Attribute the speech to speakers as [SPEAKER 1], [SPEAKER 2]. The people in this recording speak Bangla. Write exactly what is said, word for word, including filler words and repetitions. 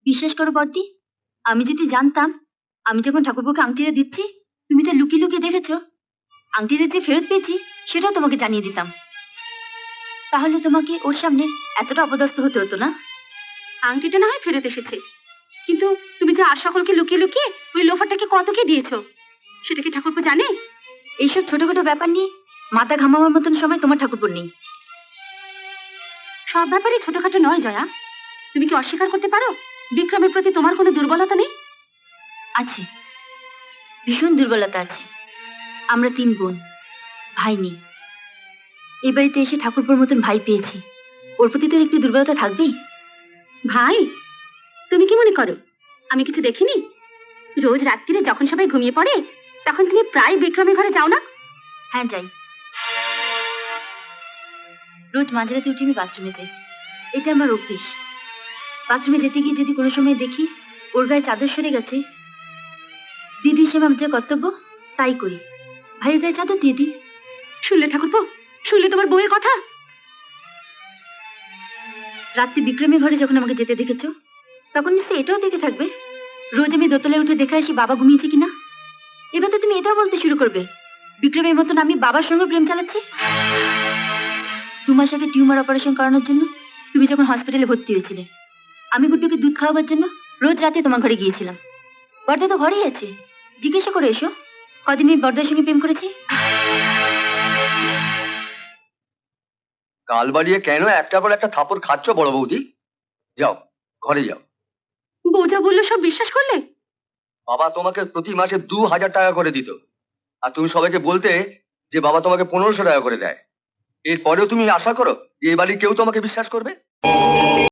[SPEAKER 1] বিশ্বাস করো বর্দি, আমি যদি জানতাম আমি যখন ঠাকুরপোকে আংটিটা দিচ্ছি তুমি তা লুকিয়ে লুকিয়ে দেখেছো, আংটিটা যে ফেরত পেয়েছি সেটাও তোমাকে জানিয়ে দিতাম। তাহলে তোমাকে ওর সামনে এতটা অপদস্থ হতে হতো না।
[SPEAKER 2] আংটিটা না হয় ফেরত এসেছে, কিন্তু তুমি যে আর সকলকে লুকিয়ে লুকিয়ে ওই লোফারটাকে কত কি দিয়েছো সেটা কি ঠাকুরপো জানে?
[SPEAKER 1] এইসব ছোটখাটো ব্যাপার নিয়ে মাথা ঘামাবার মতন সময় তোমার ঠাকুরপোর নেই।
[SPEAKER 2] সব ব্যাপারই ছোটখাটো নয় জয়া। তুমি কি অস্বীকার করতে পারো বিক্রমের প্রতি তোমার কোনো দুর্বলতা নেই?
[SPEAKER 1] আছে, ভীষণ দুর্বলতা আছে। আমরা তিন বোন, ভাই নেই। এই বাড়িতে এসে ঠাকুরপোর মতন ভাই পেয়েছি, ওর প্রতি তো একটু দুর্বলতা থাকবেই।
[SPEAKER 2] ভাই, তুমি কি মনে করো আমি কিছু দেখিনি? রোজ রাত্রিরে যখন সবাই ঘুমিয়ে পড়ে তখন তুমি প্রায় বিক্রমের ঘরে যাও না?
[SPEAKER 1] হ্যাঁ যাই, রোজ মাঝরাতে উঠে আমি বাথরুমে যাই, এটা আমার অভ্যেস। বাথরুমে যেতে গিয়ে যদি কোনো সময় দেখি ওর গায়ে চাদর সরে গেছে, দিদি হিসেবে আমার যে কর্তব্য তাই করি, ভাইয়ের গায়ে চাদর দিয়ে দিই।
[SPEAKER 2] শুনলে ঠাকুরপো, শুনলে তোমার বউয়ের কথা?
[SPEAKER 1] রাত্রি বিক্রমের ঘরে যখন আমাকে যেতে দেখেছো তখন নিশ্চয়ই এটাও দেখে থাকবে রোজ আমি দোতলায় উঠে দেখে আসি বাবা ঘুমিয়েছে কিনা। এবার তো তুমি এটাও বলতে শুরু করবে বিক্রমের মতন আমি বাবার সঙ্গে প্রেম চালাচ্ছি। দু মাস আগে টিউমার অপারেশন করানোর জন্য তুমি যখন হসপিটালে ভর্তি হয়েছিলে, আমি গুড্ডুকে দুধ খাওয়াবার জন্য রোজ রাতে তোমার ঘরে গিয়েছিলাম। বর্দা তো ঘরেই আছে, জিজ্ঞাসা করে এসো কদিন আমি বর্দার সঙ্গে প্রেম করেছি।
[SPEAKER 3] গাল বাড়িয়ে কেন একটা পর একটা থাপড় খাচ্ছ বড় বৌদি? যাও ঘরে যাও।
[SPEAKER 2] বউ যা বললো সব বিশ্বাস করলে?
[SPEAKER 3] বাবা তোমাকে প্রতি মাসে দু হাজার টাকা করে দিত, আর তুমি সবাইকে বলতে যে বাবা তোমাকে পনেরোশো টাকা করে দেয়। এরপরেও তুমি আশা করো যে এ বাড়ির কেউ তোমাকে বিশ্বাস করবে?